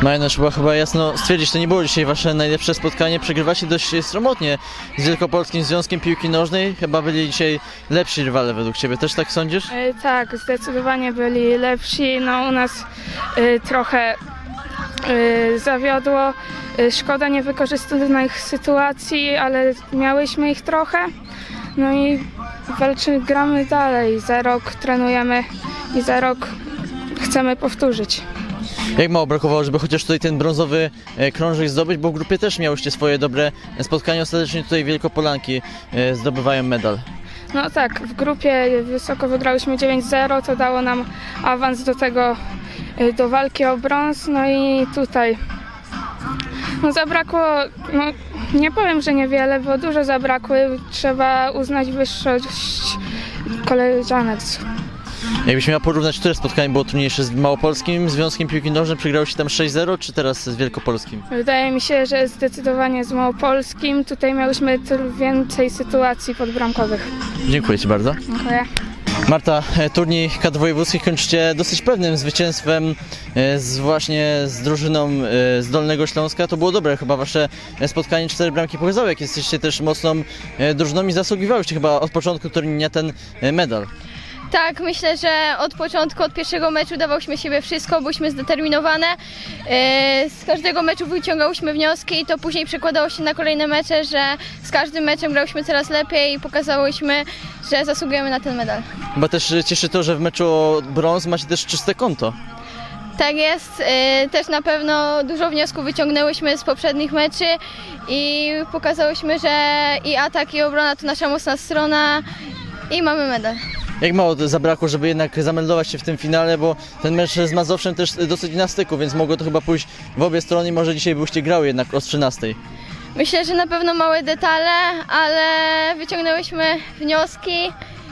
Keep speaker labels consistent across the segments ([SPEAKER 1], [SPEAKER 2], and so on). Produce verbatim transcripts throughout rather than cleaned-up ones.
[SPEAKER 1] Mariusz, chyba, chyba jasno stwierdzić, to nie było dzisiaj wasze najlepsze spotkanie. Przegrywacie dość sromotnie z Wielkopolskim Związkiem Piłki Nożnej. Chyba byli dzisiaj lepsi rywale według ciebie, też tak sądzisz?
[SPEAKER 2] E, tak, zdecydowanie byli lepsi. No u nas e, trochę e, zawiodło. E, szkoda niewykorzystanych sytuacji, ale miałyśmy ich trochę. No i walczymy, gramy dalej. Za rok trenujemy i za rok chcemy powtórzyć.
[SPEAKER 1] Jak mało brakowało, żeby chociaż tutaj ten brązowy krążek zdobyć, bo w grupie też miałyście swoje dobre spotkania, ostatecznie tutaj Wielkopolanki zdobywają medal.
[SPEAKER 2] No tak, w grupie wysoko wygrałyśmy dziewięć zero, to dało nam awans do tego, do walki o brąz, no i tutaj no zabrakło, no nie powiem, że niewiele, bo dużo zabrakły, trzeba uznać wyższość koleżanek.
[SPEAKER 1] Jakbyś miała porównać, które spotkanie było trudniejsze z Małopolskim Związkiem Piłki Nożnej? Przegrało się tam sześć zero, czy teraz z Wielkopolskim?
[SPEAKER 2] Wydaje mi się, że zdecydowanie z Małopolskim. Tutaj miałyśmy więcej sytuacji podbramkowych.
[SPEAKER 1] Dziękuję ci bardzo.
[SPEAKER 2] Dziękuję.
[SPEAKER 1] Marta, turniej kadr wojewódzkich kończycie dosyć pewnym zwycięstwem z właśnie z drużyną z Dolnego Śląska. To było dobre, chyba wasze spotkanie, cztery bramki pokazały, jak jesteście też mocną drużyną i zasługiwałyście chyba od początku turnieju ten medal.
[SPEAKER 3] Tak, myślę, że od początku, od pierwszego meczu dawałyśmy siebie wszystko, byliśmy zdeterminowane. Z każdego meczu wyciągałyśmy wnioski i to później przekładało się na kolejne mecze, że z każdym meczem grałyśmy coraz lepiej i pokazałyśmy, że zasługujemy na ten medal.
[SPEAKER 1] Chyba też cieszy to, że w meczu o brąz macie też czyste konto.
[SPEAKER 3] Tak jest, też na pewno dużo wniosków wyciągnęłyśmy z poprzednich meczy i pokazałyśmy, że i atak, i obrona to nasza mocna strona i mamy medal.
[SPEAKER 1] Jak mało zabrakło, żeby jednak zameldować się w tym finale, bo ten mecz z Mazowszem też dosyć na styku, więc mogło to chyba pójść w obie strony i może dzisiaj byście grały jednak o trzynastej.
[SPEAKER 3] Myślę, że na pewno małe detale, ale wyciągnęłyśmy wnioski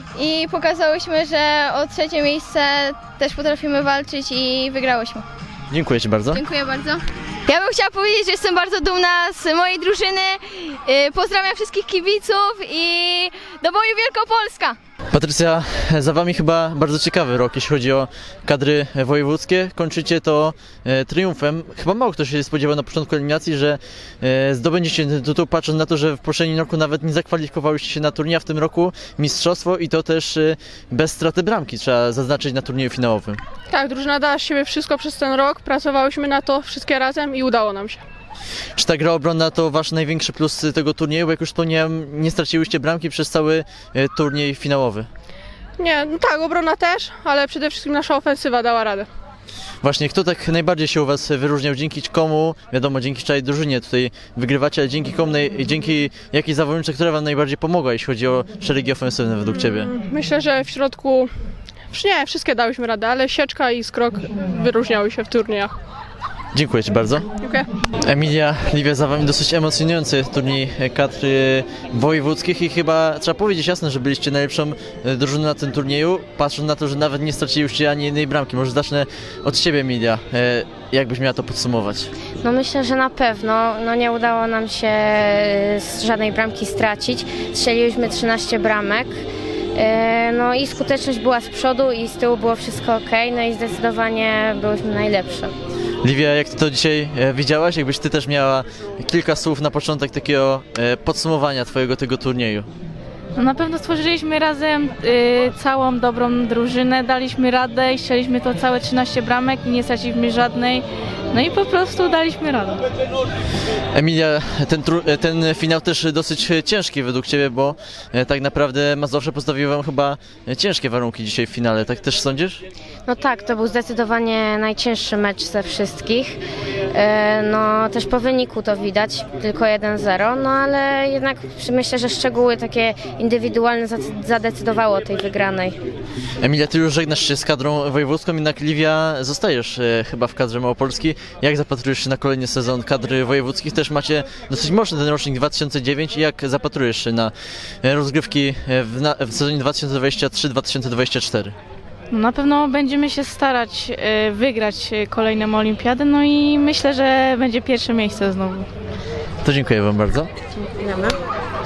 [SPEAKER 3] i pokazałyśmy, że o trzecie miejsce też potrafimy walczyć i wygrałyśmy.
[SPEAKER 1] Dziękuję ci bardzo.
[SPEAKER 3] Dziękuję bardzo. Ja bym chciała powiedzieć, że jestem bardzo dumna z mojej drużyny. Pozdrawiam wszystkich kibiców i do boju Wielkopolska!
[SPEAKER 1] Patrycja, za wami chyba bardzo ciekawy rok, jeśli chodzi o kadry wojewódzkie. Kończycie to e, triumfem. Chyba mało kto się spodziewał na początku eliminacji, że e, zdobędziecie ten tytuł, patrząc na to, że w poprzednim roku nawet nie zakwalifikowałyście się na turniej, a w tym roku mistrzostwo i to też e, bez straty bramki, trzeba zaznaczyć, na turnieju finałowym.
[SPEAKER 4] Tak, drużyna dała z siebie wszystko przez ten rok, pracowałyśmy na to wszystkie razem i udało nam się.
[SPEAKER 1] Czy ta gra obronna to wasz największy plus tego turnieju? Bo jak już wspomniałem, nie straciłyście bramki przez cały e, turniej finałowy.
[SPEAKER 4] Nie, no tak, obrona też, ale przede wszystkim nasza ofensywa dała radę.
[SPEAKER 1] Właśnie, kto tak najbardziej się u was wyróżniał? Dzięki komu, wiadomo, dzięki całej drużynie tutaj wygrywacie, ale dzięki komu, dzięki jakiej zawodniczce, która wam najbardziej pomogła, jeśli chodzi o szeregi ofensywne według ciebie?
[SPEAKER 4] Myślę, że w środku, nie, wszystkie dałyśmy radę, ale Sieczka i Skrok wyróżniały się w turniejach.
[SPEAKER 1] Dziękuję ci bardzo.
[SPEAKER 4] Dziękuję.
[SPEAKER 1] Emilia, Liwia, za wami dosyć emocjonujący turniej kadr wojewódzkich i chyba trzeba powiedzieć jasno, że byliście najlepszą drużyną na tym turnieju, patrząc na to, że nawet nie straciliście ani jednej bramki. Może zacznę od ciebie, Emilia. Jak byś miała to podsumować?
[SPEAKER 5] No myślę, że na pewno. No nie udało nam się żadnej bramki stracić. Strzeliłyśmy trzynaście bramek. No i skuteczność była z przodu i z tyłu było wszystko ok. No i zdecydowanie byłyśmy najlepsze.
[SPEAKER 1] Liwia, jak ty to dzisiaj e, widziałaś? Jakbyś ty też miała kilka słów na początek takiego e, podsumowania twojego tego turnieju?
[SPEAKER 6] No na pewno stworzyliśmy razem y, całą dobrą drużynę, daliśmy radę i strzeliśmy to całe trzynaście bramek i nie straciliśmy żadnej. No i po prostu daliśmy radę.
[SPEAKER 1] Emilia, ten, ten finał też dosyć ciężki według ciebie, bo e, tak naprawdę Mazowsze postawiły wam chyba ciężkie warunki dzisiaj w finale, tak też sądzisz?
[SPEAKER 5] No tak, to był zdecydowanie najcięższy mecz ze wszystkich. E, No też po wyniku to widać, tylko jeden zero, no ale jednak myślę, że szczegóły takie indywidualne zadecydowało o tej wygranej.
[SPEAKER 1] Emilia, ty już żegnasz się z kadrą wojewódzką, jednak Liwia zostajesz e, chyba w kadrze Małopolskiej. Jak zapatrujesz się na kolejny sezon kadry wojewódzkich? Też macie dosyć mocny ten rocznik dwa tysiące dziewięć i jak zapatrujesz się na rozgrywki w, na, w sezonie dwa tysiące dwudziestym trzecim dwa tysiące dwudziestym czwartym?
[SPEAKER 6] No na pewno będziemy się starać y, wygrać kolejną olimpiadę, no i myślę, że będzie pierwsze miejsce znowu.
[SPEAKER 1] To dziękuję wam bardzo.
[SPEAKER 5] Dziękujemy.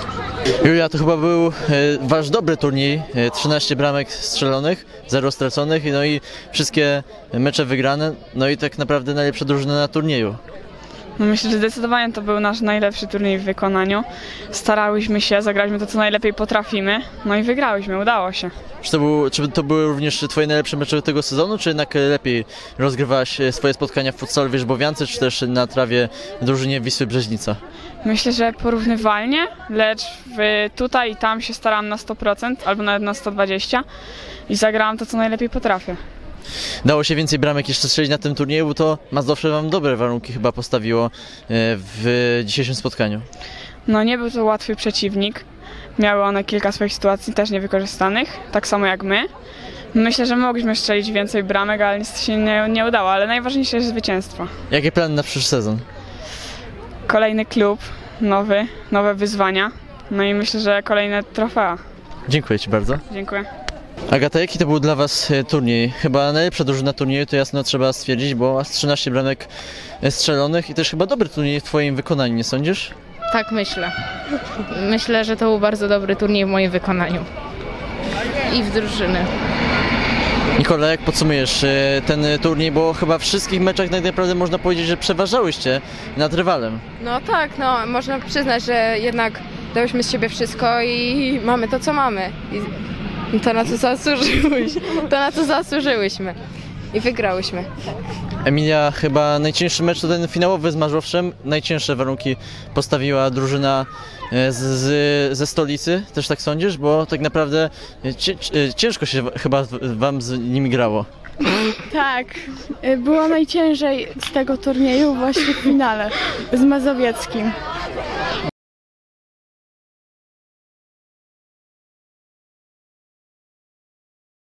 [SPEAKER 1] Julia, to chyba był e, wasz dobry turniej, e, trzynaście bramek strzelonych, zero straconych, no i wszystkie mecze wygrane, no i tak naprawdę najlepsza drużyna na turnieju.
[SPEAKER 7] No myślę, że zdecydowanie to był nasz najlepszy turniej w wykonaniu. Starałyśmy się, zagraliśmy to, co najlepiej potrafimy, no i wygrałyśmy, udało się.
[SPEAKER 1] Czy to, był, czy to były również twoje najlepsze mecze tego sezonu, czy jednak lepiej rozgrywałaś e, swoje spotkania w futsalu Wierzbowiance, czy też na trawie w drużynie Wisły Brzeźnica?
[SPEAKER 7] Myślę, że porównywalnie, lecz w, tutaj i tam się starałam na sto procent, albo nawet na sto dwadzieścia i zagrałam to, co najlepiej potrafię.
[SPEAKER 1] Dało się więcej bramek jeszcze strzelić na tym turnieju, bo to Mazowsze wam dobre warunki chyba postawiło e, w dzisiejszym spotkaniu.
[SPEAKER 7] No nie był to łatwy przeciwnik. Miały one kilka swoich sytuacji też niewykorzystanych, tak samo jak my. Myślę, że mogliśmy strzelić więcej bramek, ale niestety się nie, nie udało, ale najważniejsze jest zwycięstwo.
[SPEAKER 1] Jakie plany na przyszły sezon?
[SPEAKER 7] Kolejny klub, nowy, nowe wyzwania, no i myślę, że kolejne trofea.
[SPEAKER 1] Dziękuję ci bardzo.
[SPEAKER 7] Dziękuję.
[SPEAKER 1] Agata, jaki to był dla was e, turniej? Chyba najlepsza drużyna turnieju, to jasno trzeba stwierdzić, bo aż trzynaście bramek e, strzelonych i też chyba dobry turniej w twoim wykonaniu, nie sądzisz?
[SPEAKER 8] Tak myślę. Myślę, że to był bardzo dobry turniej w moim wykonaniu. I w drużyny.
[SPEAKER 1] Nikola, jak podsumujesz e, ten turniej, bo chyba w wszystkich meczach tak naprawdę można powiedzieć, że przeważałyście nad rywalem.
[SPEAKER 9] No tak, no można przyznać, że jednak dałyśmy z siebie wszystko i mamy to, co mamy. I to, na co zasłużyłyśmy. To, na co zasłużyłyśmy. I wygrałyśmy.
[SPEAKER 1] Emilia, chyba najcięższy mecz to ten finałowy z Mazowszem. Najcięższe warunki postawiła drużyna e, z, z, ze stolicy, też tak sądzisz? Bo tak naprawdę cie, ciężko się chyba wam z nimi grało.
[SPEAKER 2] Tak, było najciężej z tego turnieju właśnie w finale z Mazowieckim.